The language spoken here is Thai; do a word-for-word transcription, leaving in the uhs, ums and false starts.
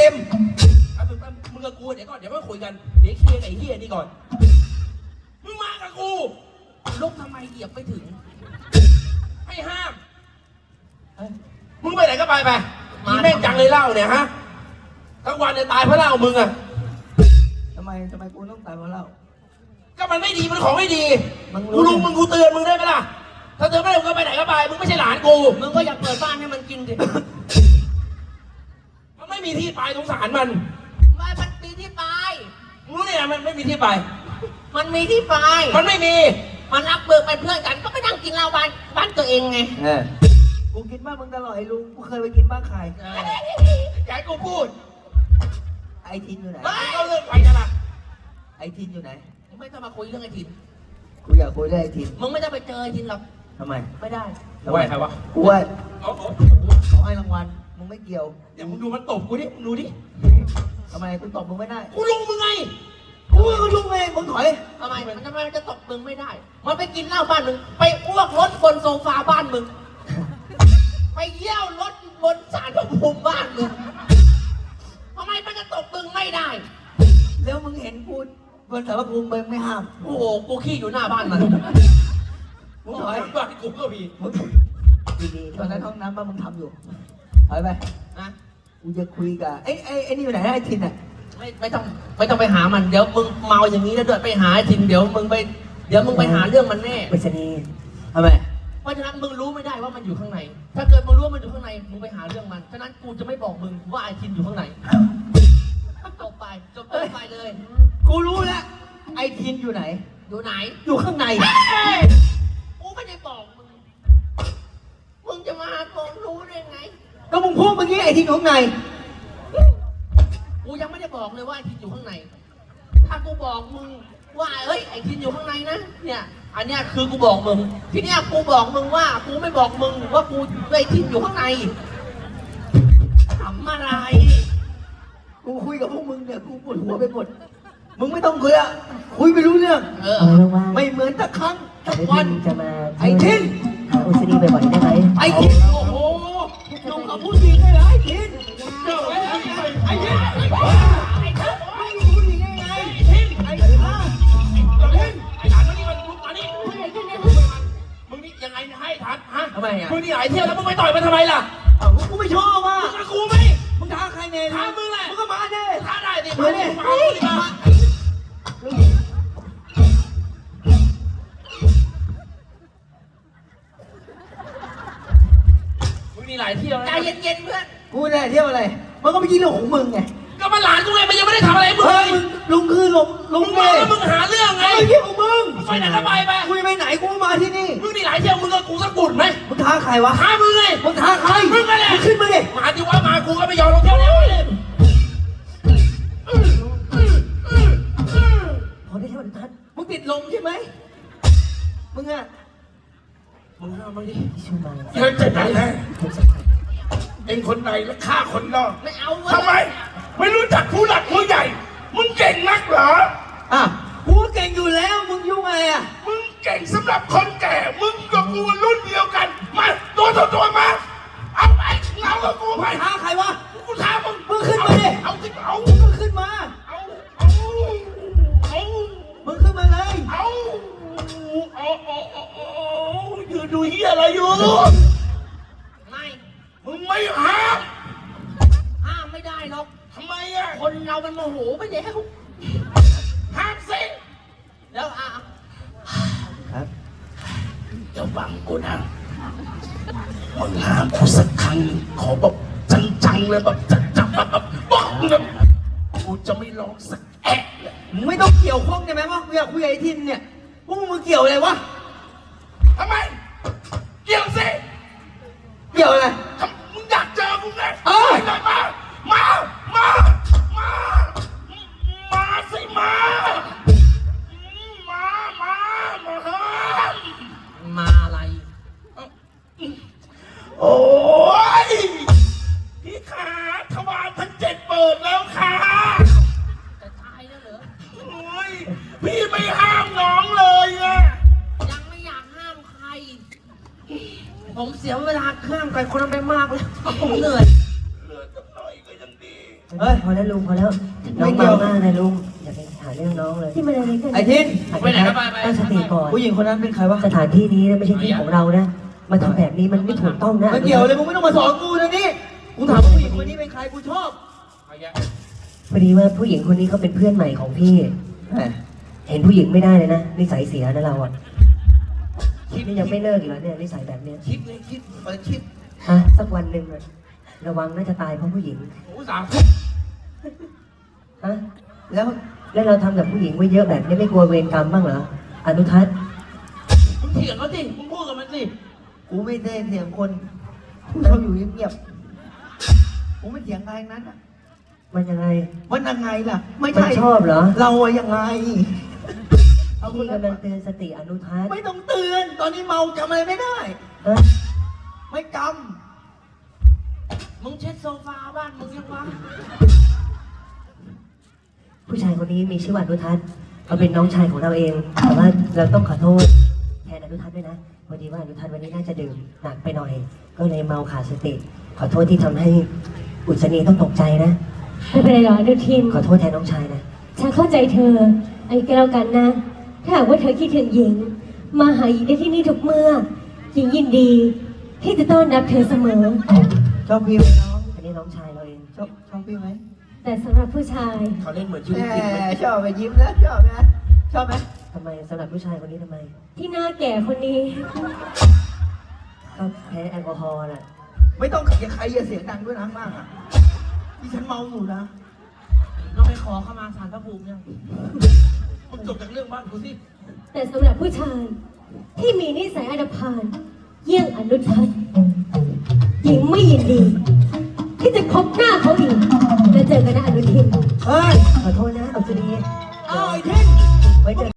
มเอามึงมึงกับกูเดี๋ยวก่อนเดี๋ยวมาคุยกันเดี๋ยวเคลียร์ไอ้เฮียนี่ก่อนมึงมากับกูลุกทำไมเหยียบไม่ถึงให้ห้ามมึงไปไหนก็ไปไปมีแม่งจังเลยเล่าเนี่ยฮะทั้งวันเนี่ยตายเพราะเล่ามึงอะทำไมทำไมกูต้องตายเพราะเหล้าก็มันไม่ดีมันของไม่ดีกูลุงมึงกูเตือนมึงได้ไหมล่ะถ้าเตือนไม่ได้มึงก็ไปไหนก็ไปมึงไม่ใช่หลานกูมึงก็อยากเปิดบ้านให้มันกินสิมันไม่มีที่ไปสงสารมันไม่มันมีที่ไปรู้เนี่ยมันไม่มีที่ไปมันมีที่ไปมันไม่มีมันรักเบิกเป็นเพื่อนกันก็ไปนั่งกินเหล้าบ้านบ้านตัวเองไงเออกูกินบ้านมึงตลอดไอ้ลุงกูเคยไปกินบ้านใครอยากกูพูดไอ้ทินอยู่ไหนไม่ก็เรื่องไปกันล่ะไอ้ทินอยู่ไหนมึงไม่ต้องมาคุยเรื่องไอ้ทินกูอยากคุยเรื่องไอ้ทินมึงไม่ต้องไปเจอไอ้ทินหรอกทำไมไม่ได้ไหวใครวะกูไหวขอให้รางวัลมึงไม่เกี่ยวเดี๋ยวมึงดูมันตบกูดิมึงดูดิทำไมกูตบมึงไม่ได้กูลุงมึงไงกูก็ลุงเองมึงถอยทำไมมันทำไมมันจะตบมึงไม่ได้มันไปกินเหล้าบ้านมึงไปอ้วกรถบนโซฟาบ้านมึงไปเยี่ยวรถบนศาลพระภูมิบ้านมึงทำไมมันจะตบมึงไม่ได้แล้วมึงเห็นกูบนศาลพระภูมิมึงไม่ห้ามโอ้โหกูขี้อยู่หน้าบ้านมันมึงถอยบ้านกูก็มีดีๆตอนนั้นห้องน้ำบ้านมึงทำอยู่ถอยไปนะกูจะคุยกับไอ้ไอ้ไอ้นี่อยู่ไหนไอ้ทินอ่ะไม่ไม่ต้องไม่ต้องไปหามันเดี๋ยวมึงเมาอย่างนี้แล้วเดินไปหาไอ้ทินเดี๋ยวมึงไปเดี๋ยวมึงไปหาเรื่องมันแน่ไปชนีทำไมเพราะฉะนั้นมึงรู้ไม่ได้ว่ามันอยู่ข้างในถ้าเกิดมึงรู้ว่ามันอยู่ข้างในมึงไปหาเรื่องมันฉะนั้นกูจะไม่บอกมึงว่าไอ้ทินอยู่ข้างในจบไปจบไปเลยกูรู้แล้วไอ้ทินอยู่ไหนอยู่ไหนอยู่ข้างในกูไม่ได้บอกมึงมึงจะมาบอกรู้ได้ไงก็มึงพูดเมื่อกี้ไอ้ทินอยู่ข้างในกูยังไม่ได้บอกเลยว่าไอ้ทินอยู่ข้างในถ้ากูบอกมึงว่าเฮ้ยไอ้ทินอยู่ข้างในนะเนี่ยอันเนี้ยคือกูบอกมึงทีเนี้ยกูบอกมึงว่ากูไม่บอกมึงว่ากูไอ้ทินอยู่ข้างในทำอะไรกูคุยกับพวกมึงเนี่ยกูปวดหัวไปหมดมึงไม่ต้องคุยอะคุยไม่รู้เรื่องเออไม่เหมือนตะครั้งตะวันจะมาไอ้ทินหาอุศนีบ่อยๆได้ไหมไอ้ทินโอ้โหลงกับผู้หญิงได้เหรอไอ้ทินเจ้าไอ้ทินไอ้ทินไอ้ทินไม่รู้ผู้หญิงได้ไงไอ้ทินไอ้ทินไอ้หลานมึงนี่มันลุกมานี่มึงนี่ยังไงให้ทันฮะทำไมอ่ะมึงนี่หลายเที่ยวแล้วมึงไปต่อยมันทำไมล่ะอ้าวกูไม่ชอบอ่ะมึงกับกูไหมมึงท้าใครเนี่ยท้ามึงแหละมึงก็มาดิท้าได้ดิมาดิมาดิมามึงนี่หลายเที่ยวใจเย็นๆเพื่อนกูเนี่ยเที่ยวอะไรมันก็ไม่กินเรื่องของมึงไงก็มันหลานกูไงมันยังไม่ได้ทำอะไรมึงเลยลุงคือลุงลุงมึงมาแล้วมึงหาเรื่องไงไม่เกี่ยวกับมึงไปไหนก็ไปไปกูไปไหนกูมาที่นี่มึงนี่หลายเที่ยวมึงกับกูสักบุญไหมมึงท้าใครวะท้ามึงไงมึงท้าใครมึงก็แหละขึ้นมาดิมาดิว่ามากูก็ไม่ยอมลงเที่ยวเนี้ยเลยพอได้เที่ยวทันมึงติดลมใช่ไหมมึงอะมึงเอามึงดิชื่อมาเยอะจะไหนนะเองคนในและฆ่าคนนอกไม่เอาทำไมไม่รู้จักผู้หลักผู้ใหญ่มึงเก่งนักเหรออ่ะกูเก่งอยู่แล้วมึงยุ่งไงอ่ะมึงเก่งสำหรับคนแก่มึงกับกูรุ่นเดียวกันมาตัวต่อตัวมาเอาไปเอากับกูไปท้าใครวะกูท้ามึงมึงขึ้นมาดิเอาสิเอามึงขึ้นมาเอาเอาเอามึงขึ้นมาเลยเอาเอาเอาเอาอยู่ดูเหี้ยอะไรอยู่ไม่มึงไม่ห้ามห้ามไม่ได้หรอกทำไมอ่ะคนเรามันโมโหไปแล้วห้ามสิแล้วอ่ะครับจะบังกูนะมึงห้ามกูสักครั้งขอแบบจังๆเลยแบบจังๆแบบแบบบอกนะกูจะไม่ร้องสักแอะมึงไม่ต้องเกี่ยวข้องได้ไหมวะกูอยากคุยกับไอ้ทินเนี่ยพวกมึงเกี่ยวอะไรวะทำไมเกี่ยวสิเกี่ยวอะไรมึงอยากเจอกูไงเออมามามามามาสิมามามามามาอะไรโอ้ยพี่ขาทวารทั้งเจ็ดเปิดแล้วค่ะจะตายแล้วเหรอโอ้ยพี่ไม่ห้ามน้องเลยอะยังไม่อยากห้ามใครผมเสียเวลาห้ามใครคนนั้นไปมากเลยผมเหนื่อยเหลือจะหน่อยก็ยังดีเฮ้ยพอแล้วลุงพอแล้วไม่น้องเกี่ยวเมามากนะลุงอย่าไปหาเรื่องน้องเลยที่มันอะไรกันไอ้ทินไปไหนครับไปไปตั้งสติก่อนผู้หญิงคนนั้นเป็นใครวะสถานที่นี้นะไม่ใช่ที่ของเรานะมาทำแบบนี้มันไม่ถูกต้องนะไม่เกี่ยวเลยมึงไม่ต้องมาสอนกูนะนี่กูถามผู้หญิงคนนี้เป็นใครกูชอบเอาแยะพอดีว่าผู้หญิงคนนี้เขาเป็นเพื่อนใหม่ของพี่แหมเห็นผู้หญิงไม่ได้เลยนะนิสัยเสียนะเราอ่ะนี่ยังไม่เลิกอีกแล้วเนี่ยนิสัยแบบเนี้ยคิดเลยคิดเปิดคิดฮะสักวันหนึ่งอะระวังน่าจะตายเพราะผู้หญิงโอ้สามฮะแล้วแล้วเราทำกับผู้หญิงไว้เยอะแบบนี้ไม่กลัวเวรกรรมบ้างเหรออนุทัศน์มึงเถียงเขาสิมึงพูดกับมันสิกูไม่ได้เถียงคนกูชอบอยู่เงียบๆกูไม่เถียงใครทั้งนั้นอะมันยังไงมันยังไงล่ะ ไม่มันใช่ชอบเหรอเราอะยังไง เอาคุพี่ณกำลังเตือนสติอนุทัศน์ไม่ต้องเตือน ตอนนี้เมาจำอะไรไม่ได้ฮะไม่กมึงเช็ดโซฟาบ้านมึงยังวะผู้ชายคนนี้มีชื่อว่าอนุทัศน์เขาเป็นน้องชายของเราเอง แต่ว่าเราต้องขอโทษแทนอนุทัศน์ด้วยนะพอดีว่าอนุทัศน์วันนี้น่าจะดื่มหนักไปหน่อย ก็เลยเมาขาดสติ ขอโทษที่ทำให้อุศนีต้องตกใจนะไม่เป็นไรหรอกอนุทิน ขขอโทษแทนน้องชายนะฉันเข้าใจเธอไอ้ก็แล้วกันนะ ถ้าหากว่าเธอคิดถึงหญิง มาหาหญิงได้ที่นี่ทุกเมื่อ หญิงยินดี ที่จะต้อนรับเธอเสมอำชอบพี่ไหมน้องอันนี้น้องชายเราเองชอบชอบพี่ไหมแต่สำหรับผู้ชายเขาเล่นเหมือนชีแหวิตจริงไหมมชอบไปยิ้มนะชอบนะชอบไหมทำไมสำหรับผู้ชายคนนี้ทำไมที่หน้าแก่คนนี้ก็แพ้แอลกอฮอล์แหละไม่ต้องอย่าใครอย่าเสียงดังด้วยนะมากอ่ะที่ฉันเมาอยู่นะเราไปขอเข้ามาสารพระภูมิยังมึงจบจากเรื่องบ้านกูสิแต่สำหรับผู้ชาย ที่มีนิสัยอนาพานเยี่ยงอนุทัศน์หญิงไม่ยินดี ที่จะพบหน้าเขาอีกและเจอกันนะอนุทินเฮ้ยขอโทษนะอุศนีเอาไอ้เท่งไว้เจอ